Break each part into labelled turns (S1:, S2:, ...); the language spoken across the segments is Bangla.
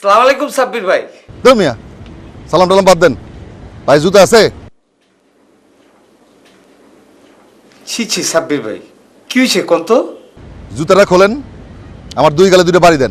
S1: সালাম আলাইকুম সাব্বির ভাই।
S2: মিয়া সালাম টালাম বাদ দেন। ভাই জুতা আছে?
S1: ছি ছি সাব্বির ভাই, কি হয়েছে কোন তো?
S2: জুতাটা খোলেন, আমার দুই গালে দুটো বাড়ি দেন।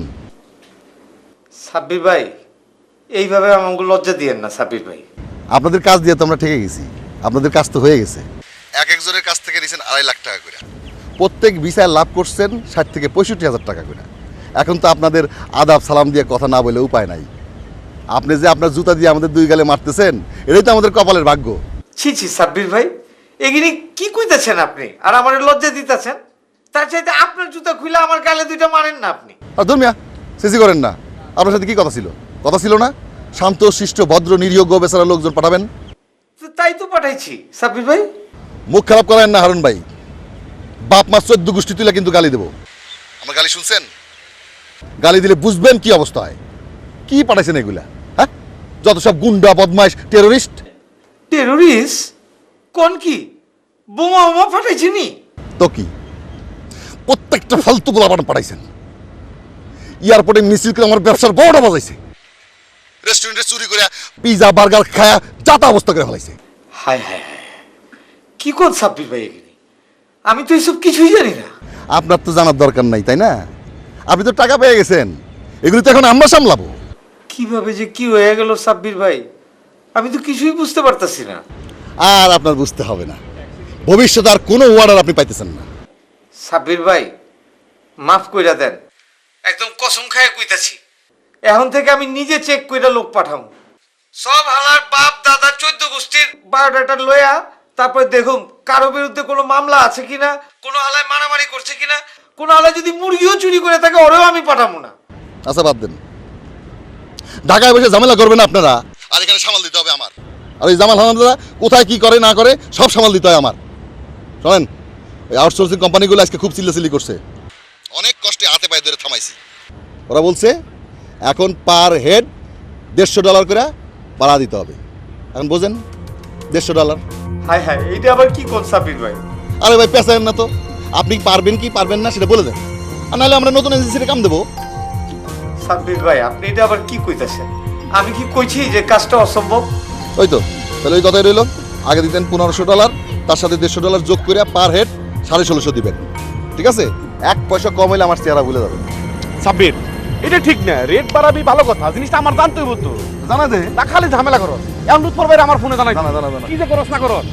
S1: সাব্বির ভাই, এইভাবে আমাকে লজ্জা দিয়েন না সাব্বির ভাই।
S2: আপনাদের কাজ দিয়ে তো আমরা ঠেকে গেছি, আপনাদের কাজ তো হয়ে গেছে। এক একজনের কাছ থেকে নিয়েছেন 2.5 লাখ টাকা করে, প্রত্যেক ভিসায় লাভ করছেন 60 থেকে 65 হাজার টাকা করে। এখন তো আপনাদের আদাব সালাম দিয়ে কথা না বলে উপায় নাই। আপনি যে আপনার জুতা দিয়ে আমাদের দুই গালে মারতেছেন, এটাই তো আমাদের কপালের ভাগ্য।
S1: ছি ছি সাব্বির ভাই, এগিনি কি কইতেছেন আপনি? আর আমার লজ্জা দিতেছেন? তার চাইতে আপনার জুতা খুলে আমার গালে দুইটা মারেন না আপনি।
S2: আর ধর্মিয়া সিসি করেন না। আপনার সাথে কি কথা ছিল? কথা ছিল না শান্ত শিষ্ট ভদ্র নিরীহ গো বেচারা লোকজন পাঠাবেন?
S1: তো তাই তো পাঠাইছি সাব্বির ভাই।
S2: মুখ খারাপ করেন না হারুন ভাই। বাপ মা 14 গোষ্ঠী তুলে কিন্তু গালি দেবো। আমার গালি শুনছেন? গালি দিলে বুঝবেন কি অবস্থা হয়। কি পাঠাইছেন এগুলা? হ্যাঁ, যত সব গুন্ডা বদমাইশ টেরোরিস্ট।
S1: টেরোরিস্ট কোন? কি বোমা বোমা ফাটাইছি নি?
S2: তো কি প্রত্যেকটা ফালতু গোলাপান পাঠাইছেন। এয়ারপোর্টে মিছিল করে আমার ব্যবসার বড়টা বাজাইছে। রেস্টুরেন্টে চুরি করে পিজা বার্গার খায়া যাতা অবস্থা করে ফেলাইছে।
S1: হায় হায় হায়, কি কোন সাব্বির ভাই এগিনি? আমি তো এসব কিছুই জানি না।
S2: আপনার তো জানার দরকার নাই, তাই না? আপনি তো টাকা পেয়ে গেছেন, এগুলি তো এখন আমরা সামলাবো।
S1: কিভাবে যে কি হয়ে গেল সাব্বির ভাই, আমি তো কিছুই বুঝতে পারতাছি না।
S2: আর আপনার বুঝতে হবে না, ভবিষ্যতে আর কোনো অর্ডার আপনি পাইতেছেন না।
S1: সাব্বির ভাই মাফ কইরা দেন, একদম কসম খায় কইতাছি, এখন থেকে আমি নিজে চেক কইরা লোক পাঠাবো। সব হালার বাপ দাদা 14 গোষ্ঠীর বায়োডাটা লয়া তারপরে দেখুন কারো বিরুদ্ধে কোনো মামলা আছে কিনা, কোনো হালায় মারামারি করছে কিনা, কোনো হালায় যদি মুরগিও চুরি করে থাকে ওরেও আমি পাঠাবো না।
S2: আচ্ছা বাদ দেন, ঢাকায় বসে ঝামেলা করবেন আপনারা, আর এখানে সামাল দিতে হবে আমার। আর ওই জামাল হামাদারা কোথায় কি করে না করে সব সামাল দিতে হয় আমার। শোনেন, ওই আউটসোর্সিং কোম্পানিগুলো আজকে খুব চিল্লাচিল্লি করছে, অনেক কষ্টে হাতে পায়ে ধরে থামাইছি। ওরা বলছে এখন পার হেড $150 করে ভাড়া দিতে হবে। এখন বোঝেন, $150।
S1: হায় হায়, এইটা আবার কি কোন সাব্বির ভাই?
S2: আরে ভাই পেঁচায়েন না তো, আপনি পারবেন কি পারবেন না সেটা বলে দেন, আর নাহলে আমরা নতুন এজেন্সিতে কাম দেবো।
S1: সাব্বির ভাই আপনি এটা আবার কি কইতাছেন? আমি কি কইছি যে কাজটা অসম্ভব?
S2: ওই তো, তাহলে ওই কথাই রইল। আগে দিতেন $1500, তার সাথে $150 যোগ করে পার হেড 1650 দিবেন। ঠিক আছে? 1 পয়সা কম হইলে আমার চেহারা ভুলে যাবে।
S3: সাব্বির, এটা ঠিক না। রেট বাড়াবি ভালো কথা, জিনিসটা আমার জানতে হইব তো।
S2: জানা দে
S3: তা খালি ঝামেলা করো। এখন লুৎফর ভাই আমার ফোনে জানাই,
S2: জানা জানা জানা
S3: কি যে করস না করস।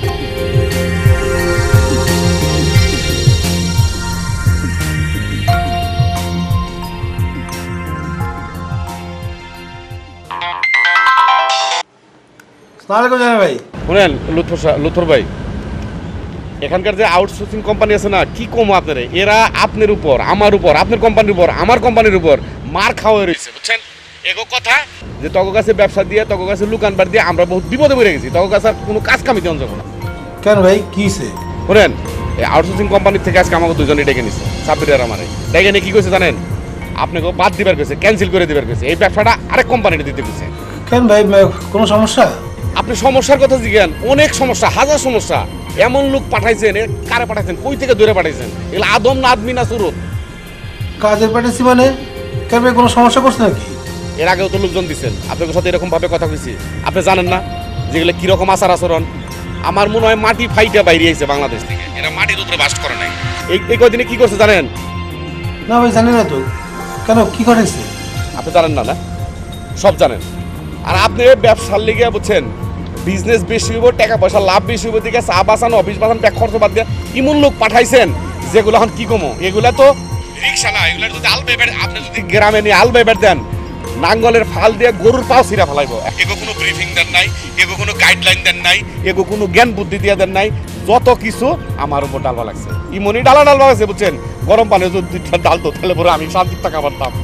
S1: সালামালাইকুম জানাই ভাই।
S3: শুনেন লুৎফর ভাই, এখানকার যে আউটসোর্সিং কোম্পানি আছে না, কি কম আপনার, এরা আপনার উপর, আমার উপর, আপনার কোম্পানির উপর, আমার কোম্পানির উপর মার খাওয়া রয়েছে, বুঝছেন? এগো কথা যে তক কাছে ব্যবসা দিয়ে, তক কাছে লুকানবার দিয়ে আমরা বহুত বিপদে পড়ে গেছি। তক কাছে আর কোনো কাজ কামি দেওয়া যাবে না।
S1: কেন ভাই কি হইছে?
S3: শুনেন, এই আউটসোর্সিং কোম্পানির থেকে আজকে আমাকে দুজনে ডেকে নিছে, সাব্বির আর আমারে ডেকে নিয়ে কি কইছে জানেন? আপনাকে বাদ দিবার কইছে, ক্যান্সেল করে দিবার কইছে, এই ব্যবসাটা আরেক কোম্পানিতে দিতে কইছে।
S1: কেন ভাই, কোনো সমস্যা?
S3: আপনি সমস্যার কথা জিজ্ঞান, অনেক সমস্যা, হাজার সমস্যা। এমন লোক পাঠাইছেন, কারে পাঠাইছেন, কই থেকে দূরে পাঠাইছেন? এগুলো আদম না আদমি না সুরত?
S1: কাজের পাঠাইছি মানে? কেন ভাই কোনো সমস্যা করছে নাকি?
S3: এর আগেও তো লোকজন দিচ্ছেন, আপনাদের সাথে এরকম ভাবে কথা কইছি। আপনি জানেন না যেগুলো কিরকম আচার আচরণ? আমার মনে হয় মাটি ফাইটা বাইরে আইছে বাংলাদেশ থেকে, এরা মাটির উপরে বাস করে নাই। এই কয়দিনে কি করছে জানেন?
S1: না ভাই জানি না তো। কেন কি করেছে?
S3: আপনি জানেন না? না সব জানেন। আর আপনি ব্যবসার লিগে বুঝছেন, বিজনেস বেশি হইব, টাকা পয়সা লাভ বেশি হইব, দিকে চা বাসানো, অফিস বাসানো, ব্যাগ খরচ বাদ দিয়ে ইমন লোক পাঠাইছেন যেগুলো এখন কি কমো। এগুলা তো রিক্সা না, এগুলা যদি আলবেবের, আপনি যদি গ্রামে নিয়ে আলবেবের দেন, নাঙ্গলের ফাল দিয়ে গরুর পাও ছিঁড়া ফেলাইব। এগো কোনো ব্রিফিং দেন নাই, এগো কোনো গাইডলাইন দেন নাই, এগো কোনো জ্ঞান বুদ্ধি দিয়ে দেন নাই। যত কিছু আমার উপর ডালবা লাগছে, ইমনি ডালা লাগছে, বুঝছেন? গরম পানি যদি 2টা ডাল তো তাহলে পরে আমি শান্তির টাকা পারতাম।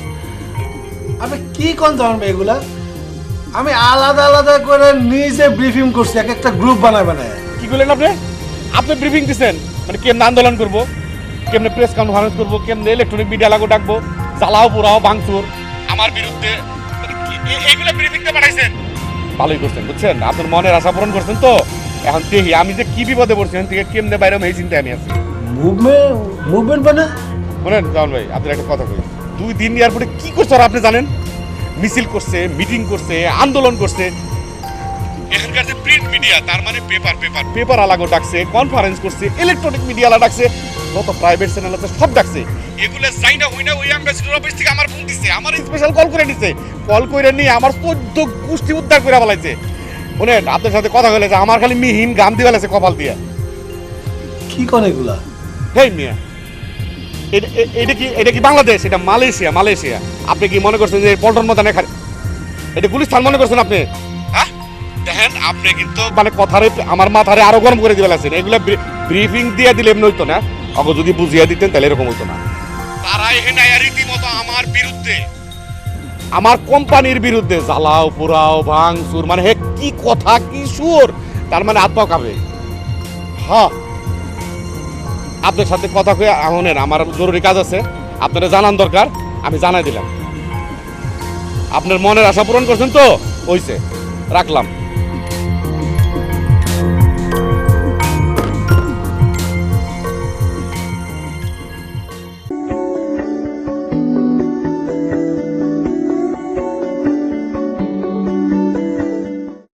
S4: আমি কি কোন ধরনের এগুলা? আমি আলাদা আলাদা করে নিজে ব্রিফিং করছি, এক একটা গ্রুপ বানায় বানায়।
S3: কি করলেন আপনি? আপনি ব্রিফিং দিচ্ছেন মানে কেমনে আন্দোলন করবো, কেমনে প্রেস কনফারেন্স করবো, কেমনে ইলেকট্রনিক মিডিয়া লাগো ডাকবো, জ্বালাও পোড়াও ভাঙচুর আমার বিরুদ্ধে, এগুলো ব্রিফিংটা পাঠাইছেন। ভালোই করছেন, বুঝছেন? আপনার মনের আশা পূরণ করছেন তো। এখন দেখি আমি যে কি বিপদে পড়ছি, এখান থেকে কেমনে বাইরে এই চিন্তায় আমি আছি।
S4: মুভমেন্ট মানে?
S3: শোনেন জামান ভাই, আপনার একটা কথা কই, 2 দিন এয়ারপোর্টে কি করছো আর আপনি জানেন? মিছিল করছে, মিটিং করছে, আন্দোলন করছে। এখানকার যে প্রিন্ট মিডিয়া, তার মানে পেপার আলাগো ডাকছে, কনফারেন্স করছে, ইলেকট্রনিক মিডিয়া আলা ডাকছে, যত প্রাইভেট চ্যানেল আছে সব ডাকছে। এগুলো যাই না হই না ওই অ্যাম্বাসিডর অফিস থেকে আমার ফোন দিছে, আমার স্পেশাল কল করে নিছে, কল করে নিয়ে আমার 14 গোষ্ঠী উদ্ধার করে বলাইছে। শুনেন, আপনার সাথে কথা বলে যে আমার খালি মিহিন গাম দিয়ে ফেলেছে কপাল দিয়ে।
S4: কি কোন এগুলা?
S3: হেই মিয়া, এটা কি বাংলাদেশ? এটা মালয়েশিয়া। আপনি কি মনে করছেন যে পল্টন ময়দানে এটা গুলিস্তান মনে করছেন আপনি? হ্যাঁ, দেখেন আপনি কিন্তু মানে কথারে আমার মাথারে আরো গরম করে দিয়ে ফেলেছেন। এগুলো ব্রিফিং দিয়ে দিলে এমনি হইতো না, অগ যদি বুঝিয়ে দিতেন তাহলে এরকম হইতো না। তারা এখানে রীতিমতো আমার বিরুদ্ধে, আমার কোম্পানির বিরুদ্ধে জ্বালাও পোড়াও ভাঙচুর, মানে হে কি কথা কি সুর, তার মানে হাত পাও কাঁপে। হ্যাঁ, আপনার সাথে কথা কয়ে আহনের আমার জরুরি কাজ আছে, আপনারা জানান দরকার, আমি জানাই দিলাম। আপনার মনের আশা পূরণ করছেন তো, হইছে, রাখলাম।